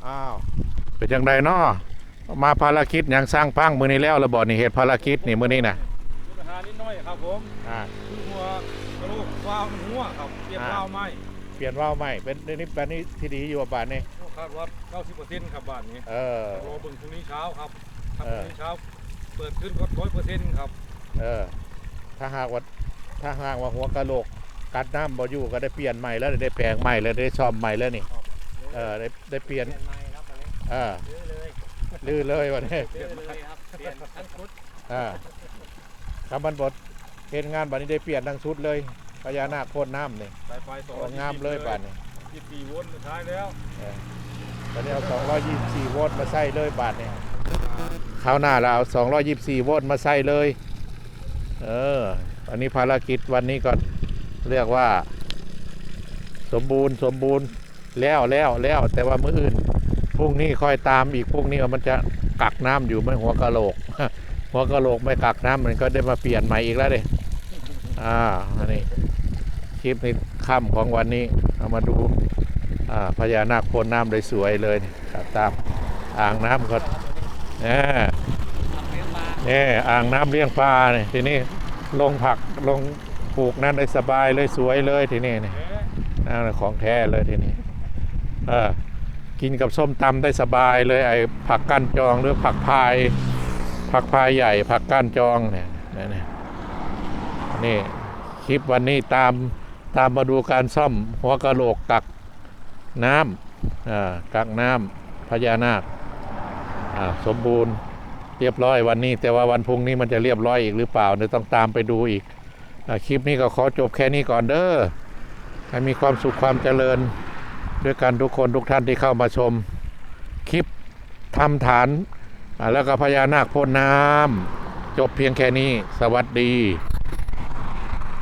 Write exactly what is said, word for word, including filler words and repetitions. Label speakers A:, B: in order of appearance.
A: อ้าวเป็นจังไดเนาะมาภารกิจอย่างสร้างพังมือนี้แล้วระบอนี่เหตุภารกิจนี่มือนี้นะ
B: ปัญหานิดหน่อยครับผม
A: อ่า
B: คือหัวกระโหลกวาวมันหัวครับเปลี่ยนวาวไหม
A: เปลี่ยนว่าวใหม่เป็นเดี๋ยวนี้แบบนี้ที่ดีอยู่บ้านนี่
B: คาดว่า เก้าสิบเปอร์เซ็นต์ ครับบ้านนี้
A: เออ
B: รอเบิ่งพรุ่งนี้เช้าครับถ้าพรุ่งนี้เช้าเปิดขึ้นก็ร้อยเปอร์เซ็นต์ครับ
A: เออถ้าหากว่าถ้าหากว่าหัวกะโหลกกัดน้ำบ่อยู่ก็ได้เปลี่ยนใหม่แล้วได้แปลงใหม่แล้วได้ซ่อมใหม่แล้วนี่เออได้ได้เปลี่ยนเออลื้อเลยวันนี้อ่าคำบันบดเห็นงานบัดนี้ได้เปลี่ยนทั้งชุดเลยพญานาคพ่นน้ำนี่
B: สายไฟสอง
A: งามเลยบัดนี้
B: ยี่สิบสี่โวลต์สุดท้ายแล้ว
A: ตอนนี้เอาสองร้อยยี่สิบสี่โวลต์มาใส่เลยบาทนี่คราวหน้าเราเอาสองร้อยยี่สิบสี่โวลต์มาใส่เลยเอออันนี้ภารกิจวันนี้ก็เรียกว่าสมบูรณ์สมบูรณ์แล้วแล้วแล้วแต่ว่ามื้ออื่นพรุ่งนี้ค่อยตามอีกพรุ่งนี้มันจะกักน้ำอยู่ไม่หัวกะโหลกหัวกะโหลกไม่กักน้ำมันก็ได้มาเปลี่ยนใหม่อีกแล้วเลยอ่าอันนี้คลิปในค่ำของวันนี้เอามาดูอ่าพญานาคพ่นน้ำเลยสวยเลยครับตามอ่างน้ำก็เนี่ยนี่อ่างน้ำเลี้ยงปลาเนี่ยทีนี้ลงผักลงปลูกนั่นได้สบายเลยสวยเลยทีนี้นี่นั่นของแท้เลยทีนี้เออกินกับส้มตำได้สบายเลยไอ้ผักก้านจองหรือผักพายผักพายใหญ่ผักก้านจองเนี่ยนี่นี่คลิปวันนี้ตามตามมาดูการซ่อมหัวกะโหลกกักน้ำอ่ากักน้ำพญานาคอ่าสมบูรณ์เรียบร้อยวันนี้แต่ว่าวันพรุ่งนี้มันจะเรียบร้อยอีกหรือเปล่าเดี๋ยวต้องตามไปดูอีกอ่าคลิปนี้ก็ขอจบแค่นี้ก่อนเด้อให้มีความสุขความเจริญด้วยกันทุกคนทุกท่านที่เข้ามาชมคลิปทำฐานแล้วก็พญานาคพ่นน้ำจบเพียงแค่นี้สวัสดี